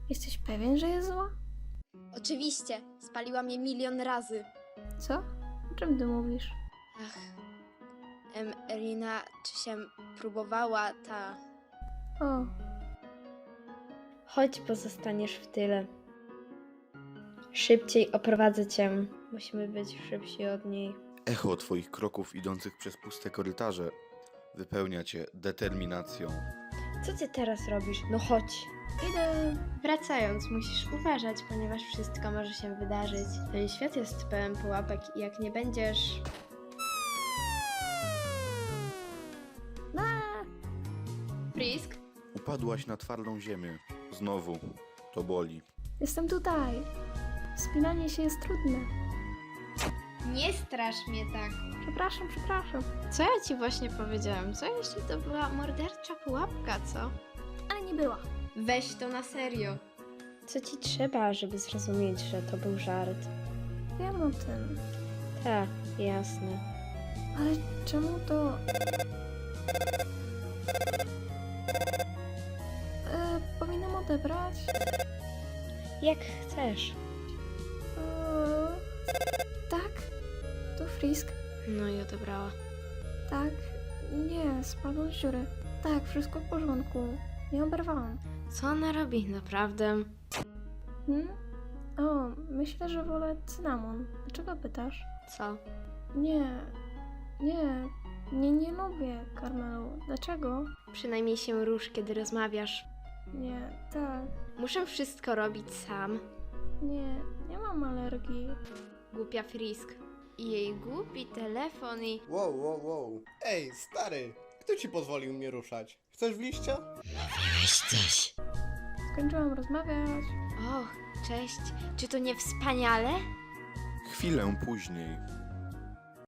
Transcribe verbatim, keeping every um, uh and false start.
Jesteś pewien, że jest zła? Oczywiście, spaliłam je milion razy. Co? O czym ty mówisz? Ach, em, Rina, czy się próbowała ta... O, Chodź, pozostaniesz w tyle. Szybciej oprowadzę cię. Musimy być szybsi od niej. Echo twoich kroków idących przez puste korytarze wypełnia cię determinacją. Co ty teraz robisz? No chodź. idę. Wracając, musisz uważać, ponieważ wszystko może się wydarzyć. Ten świat jest pełen pułapek i jak nie będziesz... Frisk? Upadłaś na twardą ziemię. Znowu. To boli. Jestem tutaj. Wspinanie się jest trudne. Nie strasz mnie tak. Przepraszam, przepraszam. Co ja ci właśnie powiedziałem? Co jeśli to była mordercza pułapka, co? Ale nie była. Weź to na serio. Co ci trzeba, żeby zrozumieć, że to był żart? Wiem o tym. Tak, jasne. Ale czemu to... E, powinnam odebrać? Jak chcesz. E, tak? To Frisk? No i odebrała. Tak? Nie, spadł z dziury. Tak, wszystko w porządku. Nie oberwałam. Co ona robi, naprawdę? Hmm? O, myślę, że wolę cynamon. Dlaczego pytasz? Co? Nie, nie, nie, nie lubię karmelu. Dlaczego? Przynajmniej się rusz, kiedy rozmawiasz. Nie, tak, Muszę wszystko robić sam. nie, nie mam alergii. Głupia Frisk. I jej głupi telefon i... Wow, wow, wow. Ej, stary, kto ci pozwolił mnie ruszać? Chcesz w liścia? Skończyłam rozmawiać. Och, cześć. Czy to nie wspaniale? Chwilę później